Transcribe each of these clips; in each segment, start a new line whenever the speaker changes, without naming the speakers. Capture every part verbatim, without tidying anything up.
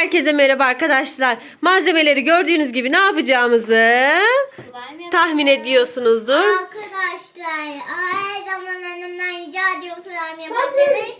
Herkese merhaba arkadaşlar. Malzemeleri gördüğünüz gibi ne yapacağımızı tahmin ediyorsunuzdur.
Arkadaşlar her zaman annemden rica ediyorum slime yapabiliriz.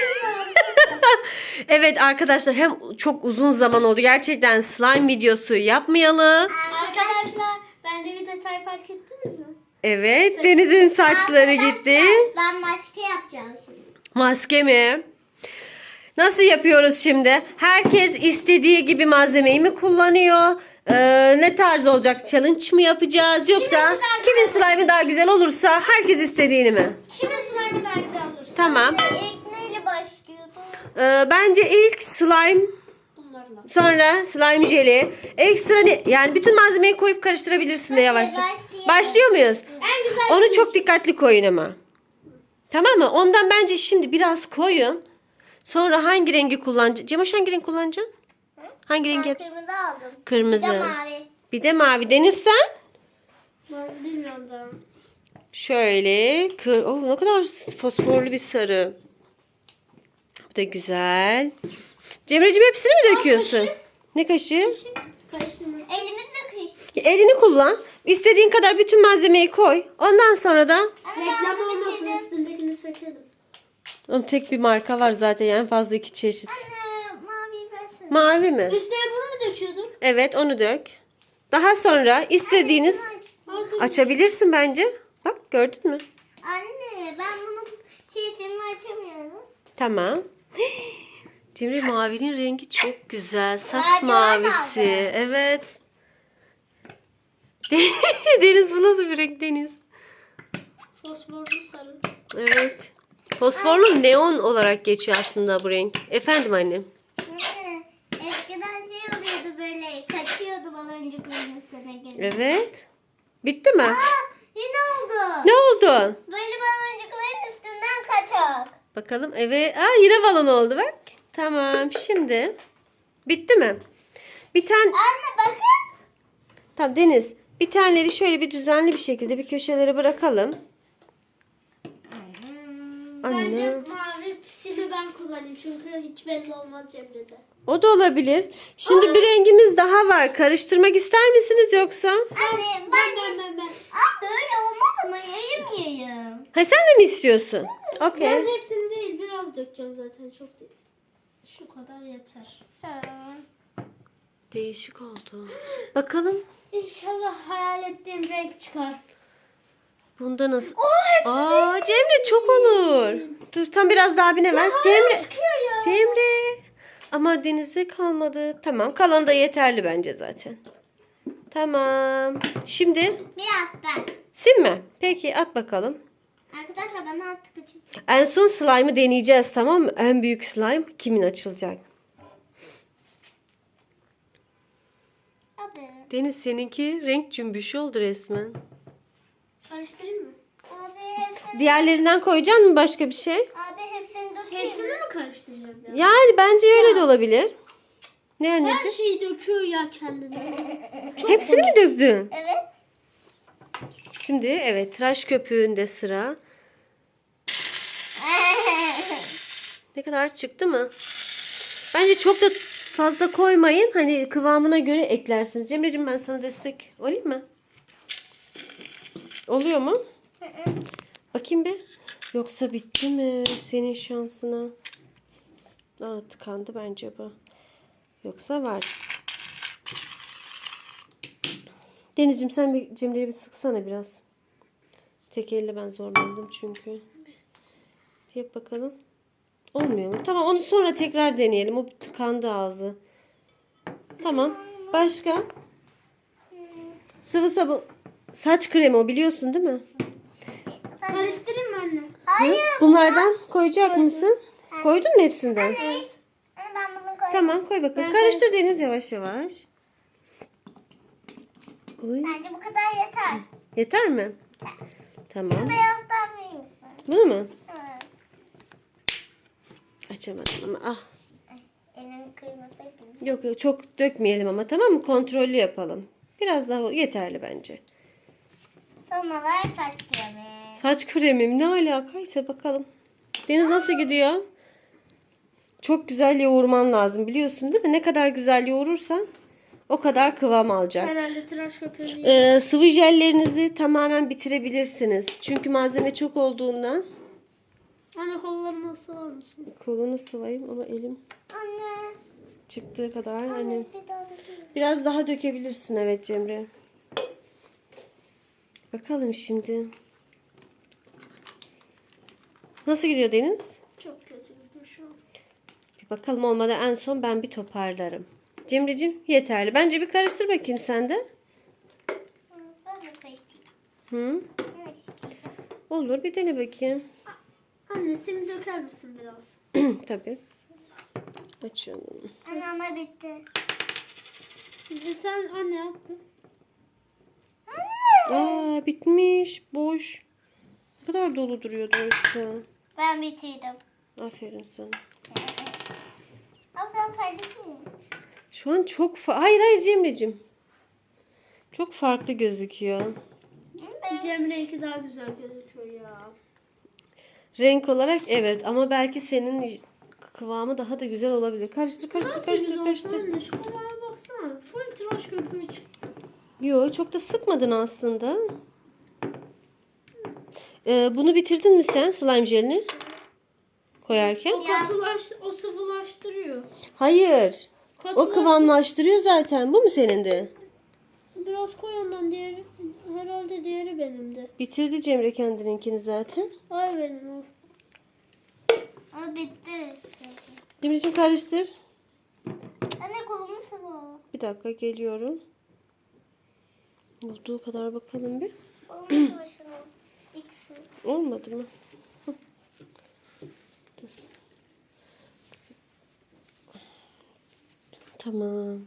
Evet arkadaşlar, hem çok uzun zaman oldu gerçekten slime videosu yapmayalı.
Arkadaşlar bende bir detay fark ettiniz mi?
Evet, Deniz'in saçları gitti.
Ben maske yapacağım şimdi.
Maske mi? Nasıl yapıyoruz şimdi? Herkes istediği gibi malzemeyi mi kullanıyor? Ee, ne tarz olacak? Challenge mı yapacağız? Yoksa kimin slime'ı daha güzel olursa herkes istediğini mi?
Kimin slime'ı daha güzel olursa.
Tamam.
İlk neyle başlıyordum?
Ee, bence ilk slime,
Bunlarla.
sonra slime jeli. Ekstra ne? Yani bütün malzemeyi koyup karıştırabilirsin de yavaşça.
başlayalım.
Başlıyor muyuz?
En güzel
Onu çok dikkatli koyun ama. Tamam mı? Ondan bence şimdi biraz koyun. Sonra hangi rengi kullanacaksın? Cemoş hangi renk kullanacaksın? Hangi renk
Ben
yap?
kırmızı aldım.
Kırmızı.
Bir de mavi.
Bir de mavi. Deniz sen?
Ben bilmiyorum da.
Şöyle. Kır... Oh, ne kadar fosforlu bir sarı. Bu da güzel. Cemre'cim hepsini mi döküyorsun?
kaşık.
Ne kaşığı?
Karıştırmış.
Elimizle kıştık.
Elini kullan. İstediğin kadar bütün malzemeyi koy. Ondan sonra da
Reklam olmasın, üstündekini sökelim.
Oğlum, tek bir marka var zaten, yani fazla iki çeşit.
Anne mavi versene.
Mavi mi?
Üstüne bunu mu döküyorduk?
Evet, onu dök. Daha sonra istediğiniz
Hadi.
açabilirsin bence. Bak, gördün mü?
Anne ben bunun çiğitimi açamıyorum.
Tamam. Cemre, mavinin rengi çok güzel. Saks
Lacivert
mavisi.
aldı.
Evet. Deniz, bu nasıl bir renk Deniz?
Fosforlu sarı.
Evet. Fosforlu neon olarak geçiyor aslında bu renk. Efendim annem.
Anne, eskiden şey oluyordu böyle kaçıyordu baloncukların üstüne gelip.
Evet. Bitti mi?
Aa, yine oldu.
Ne oldu?
Böyle baloncukların üstünden kaçak.
Bakalım. Evet. Aa, yine balon oldu bak. Tamam. Şimdi. Bitti mi? Bir tane.
Anne bakın.
Tamam Deniz. Bir taneleri şöyle bir düzenli bir şekilde bir köşelere bırakalım. Anne.
Bence mavi sili ben kullanayım çünkü hiç belli olmaz Cemre'de.
O da olabilir. Şimdi bir rengimiz daha var. Karıştırmak ister misiniz yoksa?
Anne
Ben
ben.
ben ben ben.
Aa, böyle olmaz ama yayım yayım.
Ha, sen de mi istiyorsun? Okey.
Ben hepsini değil biraz dökeceğim zaten, çok değil. Şu kadar yeter.
Değişik oldu. Bakalım.
İnşallah hayal ettiğim renk çıkar.
Bunda nasıl?
Oo, hepsi
Aa, Cemre çok olur. Dur, tam biraz daha abine ver. Cemre.
sıkıyor ya.
Cemre. Ama Deniz'e kalmadı. Tamam, kalan da yeterli bence zaten. Tamam. Şimdi
Bir at ben.
sil mi? Peki, at bakalım.
Arkadaşlar bana artık açın.
En son slime'ı deneyeceğiz, tamam mı? En büyük slime kimin açılacak?
Abi.
Deniz, seninki renk cümbüşü oldu resmen.
Karıştırayım mı?
Abi hepsini.
Diğerlerinden koyacak mısın başka bir şey?
Abi hepsini dökeyim.
Hepsini mi karıştıracağım ya?
Yani bence öyle de olabilir. Ne
Her
anneciğim?
şeyi döküyor ya kendine.
Hepsini mi döktün?
Evet.
Şimdi evet, tıraş köpüğünde sıra. Ne kadar çıktı mı? Bence çok da fazla koymayın. Hani kıvamına göre eklersiniz. Cemre'cim, ben sana destek olayım mı? Oluyor mu? Bakayım bir. Yoksa bitti mi senin şansına? Aa, tıkandı bence bu. Yoksa var. Denizciğim, sen bir Cemre'ye bir sıksana biraz. Tek elle ben zorlandım çünkü. Yap bakalım. Olmuyor mu? Tamam, onu sonra tekrar deneyelim. O tıkandı ağzı. Tamam. Başka? Sıvı sabun. Saç kremi o, biliyorsun değil mi?
Karıştırayım mı anne?
Hayır.
Bunlardan koyacak mısın? Koydun mu hepsinden?
Anne ben bunu koyayım.
Tamam, koy bakalım.
Ben
Karıştır Deniz, yavaş yavaş. Oy.
Bence bu kadar yeter.
Yeter mi? Tamam.
Beyazdan verir misin?
Bunu mu?
Evet.
Açamadım ama ah.
Elini kıymasaydın.
Yok yok, çok dökmeyelim ama, tamam mı? Kontrollü yapalım. Biraz daha yeterli bence.
Son olarak saç kremi.
Saç kremim ne alakaysa bakalım. Deniz nasıl gidiyor? Çok güzel yoğurman lazım biliyorsun değil mi? Ne kadar güzel yoğurursan o kadar kıvam alacak.
Herhalde tıraş köpüğünü
Ee, sıvı jellerinizi tamamen bitirebilirsiniz. Çünkü malzeme çok olduğundan.
Anne kollarıma sığar mısın?
Kolunu sıvayım ama elim
Anne.
çıktığı kadar. Hani
Anne bir daha dökeyim.
biraz daha dökebilirsin evet Cemre. Bakalım şimdi. Nasıl gidiyor Deniz?
Çok kötü gidiyor şu an.
Bir bakalım olmadı en son ben bir toparlarım. Cemre'cim yeterli. Bence bir karıştır bakayım sen de.
Hı, Ben de karıştırayım.
Hı?
Evet isteyeceğim.
Olur bir dene bakayım.
Anne sim döker misin biraz?
Tabii. Açalım.
Anne ama bitti.
Bir sen anne yap.
Aa bitmiş. Boş. Ne kadar dolu duruyor doğrusu.
Ben bitirdim.
Aferin sana.
Ama sen paylaşayım.
Şu an çok fa- Hayır hayır Cemre'cim. Çok farklı gözüküyor.
Ben
Cemre'ninki daha güzel gözüküyor ya.
Renk olarak evet ama belki senin kıvamı daha da güzel olabilir. Karıştır karıştır
Nasıl
karıştır
güzel
karıştır.
anne şu kolaya baksana. Full tıraş köpüğü çıktı.
Yo çok da sıkmadın aslında. Ee, bunu bitirdin mi sen slime jelini? Koyarken?
O katılaş, o sıvılaştırıyor.
Hayır. O
Katılaş-
kıvamlaştırıyor zaten. Bu mu senin de?
Biraz koy ondan diğeri. Herhalde diğeri benim de.
Bitirdi Cemre kendininkini zaten.
Ay benim o.
o bitti.
Cemre'cim karıştır.
Anne kolumu sıvı.
Bir dakika geliyorum. Olduğu kadar bakalım bir.
Kolumu sıvı şunu. İkisi.
Olmadı mı? Hı. Dur. Tamam.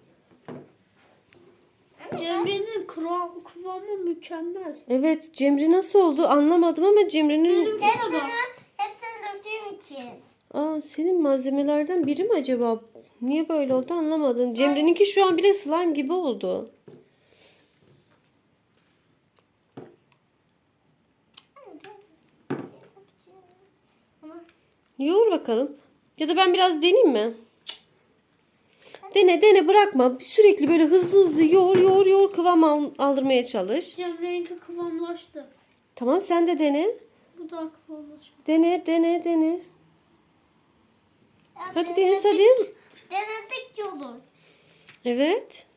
Cemre'nin kıvam, kıvamı mükemmel.
Evet Cemre nasıl oldu anlamadım ama Cemre'nin...
Hepsini, hepsini döktüğüm için.
Aa, senin malzemelerden biri mi acaba? Niye böyle oldu anlamadım. Cemre'ninki şu an bile slime gibi oldu.
Ama
Yoğur bakalım. Ya da ben biraz deneyeyim mi? Dene dene bırakma. Sürekli böyle hızlı hızlı yoğur yoğur yoğur kıvam al- aldırmaya çalış.
Cemre'ninki kıvamlaştı.
Tamam sen de dene.
Bu da kıvamlaştı.
Dene dene dene.
Ya
Hadi
denedik-
Deniz hadi.
Denedikçe olur.
Evet.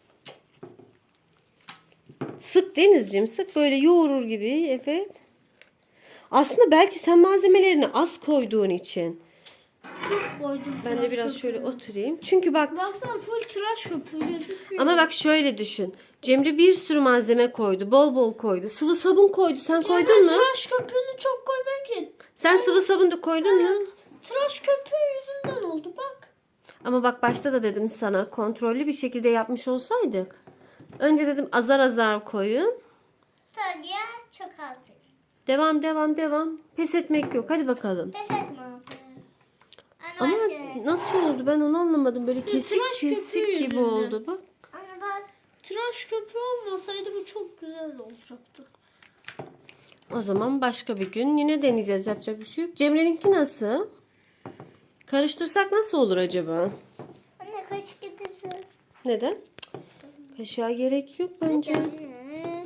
Sık Denizciğim sık böyle yoğurur gibi. Evet. Aslında belki sen malzemelerini az koyduğun için.
Çok koydum
Ben de
tıraş
biraz şöyle
köpüğünü.
oturayım. Çünkü bak
Baksana full tıraş köpüğü gözüküyor.
ama bak şöyle düşün. Cemre bir sürü malzeme koydu. Bol bol koydu. Sıvı sabun koydu. Sen
Cemre
koydun mu?
tıraş köpüğünü çok koymak ki.
Sen sıvı sabun da koydun mu?
Evet. Tıraş köpüğü yüzünden oldu bak.
Ama bak başta da dedim sana kontrollü bir şekilde yapmış olsaydık. Önce dedim azar azar koyun.
Sonra çok altı.
Devam devam devam. Pes etmek yok. Hadi bakalım.
Pes etme abi. Anne
Ama
bak şimdi.
nasıl oldu ben onu anlamadım. Böyle kesik
tıraş köpüğü
kesik gibi
yüzünden.
oldu bak.
Anne bak.
Tıraş köpüğü olmasaydı bu çok güzel olacaktı.
O zaman başka bir gün yine deneyeceğiz. Yapacak bir şey yok. Cemre'ninki nasıl? Karıştırsak nasıl olur acaba?
Anne kaşık getireceğiz.
Neden? Kaşığa gerek yok bence.
Anne.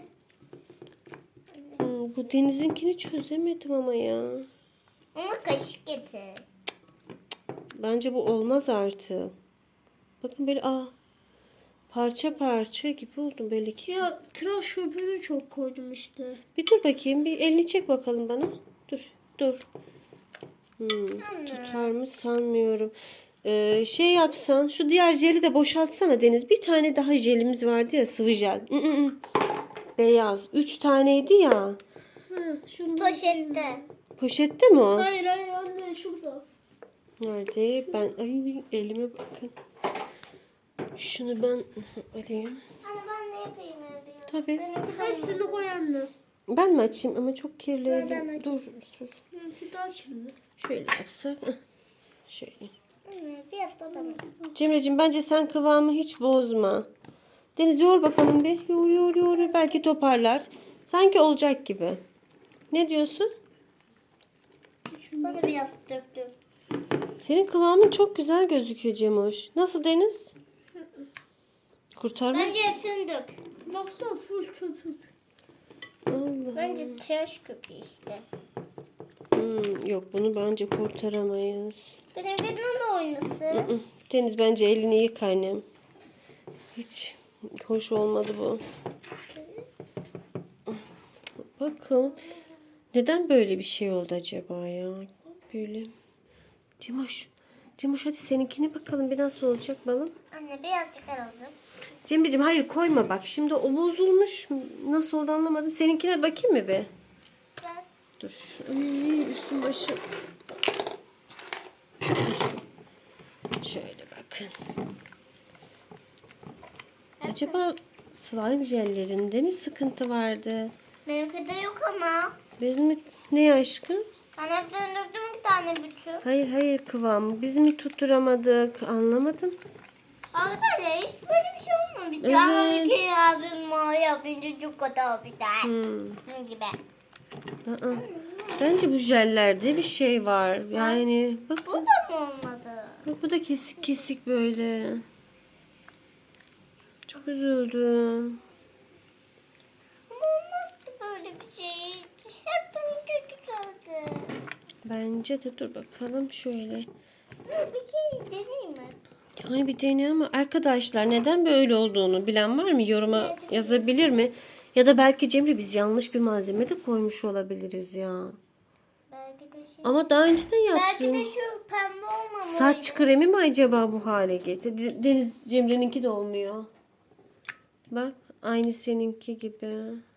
Hmm, bu Deniz'inkini çözemedim ama ya.
Onu kaşık getir.
Bence bu olmaz artık. Bakın böyle aa parça parça gibi oldu böyle ki.
Ya tıraş köpüğünü çok koydum işte.
Bir dur bakayım. Bir elini çek bakalım bana. Dur. Dur. Hmm, tutar mı sanmıyorum. Ee, şey yapsan şu diğer jeli de boşaltsana Deniz. Bir tane daha jelimiz vardı ya sıvı jel. Mm, mm, mm. Beyaz. Üç taneydi ya.
Ha, şunu
Poşette.
Poşette mi o?
Hayır hayır anne şurada.
Nerede? Ben ay elime bakın. Şunu ben alayım.
Anne ben ne yapayım öyle?
Tabii.
Benimki de
Hepsini koy anne.
Ben mi açayım ama çok kirli
Ben- ben
elim.
açayım.
Dur, dur.
Benimki daha kirli.
Şöyle yapsak. Heh. Şöyle.
Anne biraz da bana.
Cemre'cim bence sen kıvamı hiç bozma. Deniz yoğur bakalım bir. Yoğur yoğur yoğur. Belki toparlar. Sanki olacak gibi. Ne diyorsun?
Bana biraz döktüm.
Senin kıvamın çok güzel gözüküyor Cemoş. Nasıl Deniz? Kurtarma.
Bence hepsini dök.
Baksana full köpük.
Allah.
Bence tıraş köpüğü işte.
Hmm, yok bunu bence kurtaramayız.
Benim de oynasın.
Hı, Deniz bence elini yık annem. Hiç hoş olmadı bu. Bakın. Neden böyle bir şey oldu acaba ya? Böyle. Cemoş. Cemoş hadi seninkine bakalım bir nasıl olacak balım.
Anne birazcık alalım.
Cemre'cim hayır koyma bak. Şimdi o bozulmuş. Nasıl oldu anlamadım. Seninkine bakayım mı be?
Ben
Dur. Ay, üstüm başım. Şöyle bakın. Acaba slime jellerinde mi sıkıntı vardı?
benimki de yok ama.
Biz mi ne aşkım?
Ben hepsini döktüm bir tane bütün.
Hayır hayır kıvamı. Biz mi tutturamadık? Anlamadım.
Arkadaşlar hiç böyle bir şey olmamış.
Evet.
Ama bir kere abim mavi yapınca çok kötü oldu.
Hmm.
Bunun gibi.
Aa. Bence bu jellerde bir şey var. Yani bak,
Bu da mı olmadı?
bak bu da kesik kesik böyle. Çok üzüldüm.
Ama olmazdı böyle bir şey. Hep benim kötü kaldı.
Bence de dur bakalım şöyle.
Bir şey deneyeyim mi?
Yani bir dene ama arkadaşlar neden böyle olduğunu bilen var mı? Yoruma yazabilir mi? Ya da belki Cemre biz yanlış bir malzeme de koymuş olabiliriz ya.
Belki de şey.
Ama daha önce de
Belki
yaptım.
de şu pembe olmamalıydı.
Saç kremi mi acaba bu hale getirdi? Deniz Cemre'ninki de olmuyor. Bak aynı seninki gibi.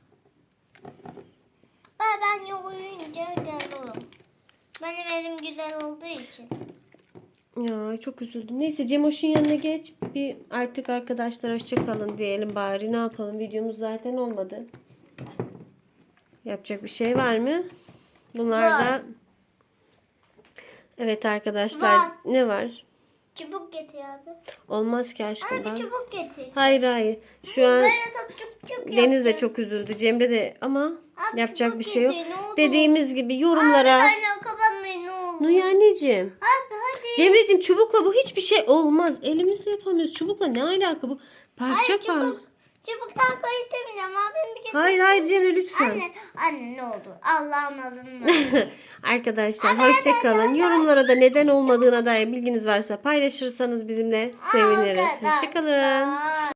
Ben, ben yoğurunca güzel olur. Benim elim güzel olduğu için.
Ya çok üzüldüm. Neyse Cemoş'un yanına geç. Bir artık arkadaşlar hoşça kalın diyelim bari. Ne yapalım? Videomuz zaten olmadı. Yapacak bir şey var mı? Bunlar
Var.
da evet arkadaşlar
Var.
ne var?
Çubuk getir abi.
Olmaz ki aşkım.
Anne
ben-
bir çubuk getir.
Hayır hayır. Şu an
Böyle topçuk çok
Deniz de
yaptım.
çok üzüldü. Cemre de ama
Abi
yapacak
çubuk
bir şey yok.
getir, ne olur.
Dediğimiz gibi yorumlara.
Abi anne kapatmayın ne olur.
Nuy anneciğim.
Abi hadi.
Cemre'cim çubukla bu hiçbir şey olmaz. Elimizle yapamıyoruz. Çubukla ne alaka bu? Parça
Hayır
par.
çubuk. Çubuktan karıştırmayacağım abim bir getir.
Hayır hayır Cemre lütfen.
Anne, anne ne oldu? Allah'ın adını.
Arkadaşlar
Hadi,
hoşça
hadi,
kalın.
hadi.
Yorumlara da neden olmadığına dair bilginiz varsa paylaşırsanız bizimle seviniriz. Hoşça kalın.
Arkadaşlar.